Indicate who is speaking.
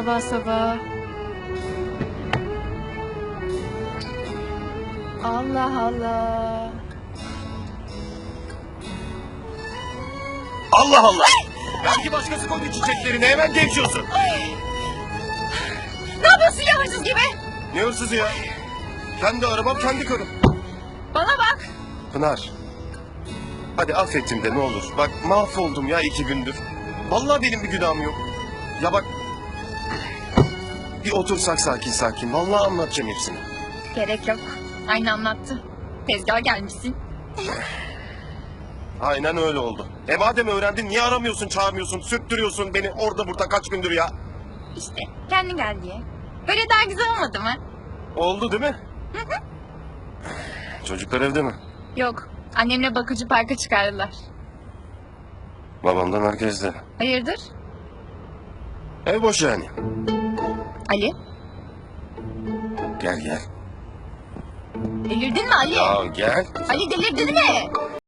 Speaker 1: sabah sabah. Allah Allah.
Speaker 2: Allah Allah! Belki başkası koydu çiçeklerini, hemen gevşiyorsun.
Speaker 1: Ne yapıyorsun ya hırsız gibi?
Speaker 2: Ne hırsızı ya? Kendi arabam, kendi karım.
Speaker 1: Bana bak.
Speaker 2: Pınar. Hadi affettim de ne olur. Bak mahvoldum ya 2 gündür. Vallahi benim bir günahım yok. Ya bak... Bir otursak sakin sakin. Vallahi anlatacağım hepsini.
Speaker 1: Gerek yok. Aynı anlattı. Tezgaha gelmişsin.
Speaker 2: Aynen öyle oldu. Madem öğrendin niye aramıyorsun, çağırmıyorsun, sürttürüyorsun beni orada burada kaç gündür ya?
Speaker 1: İşte kendi gel diye. Böyle daha güzel olmadı mı?
Speaker 2: Oldu değil mi? Çocuklar evde mi?
Speaker 1: Yok. Annemle bakıcı parka çıkardılar.
Speaker 2: Babamdan herkes de.
Speaker 1: Hayırdır?
Speaker 2: Ev boş yani.
Speaker 1: Ali?
Speaker 2: Gel gel.
Speaker 1: Delirdin mi Ali?
Speaker 2: Ya gel.
Speaker 1: Ali delirdin mi?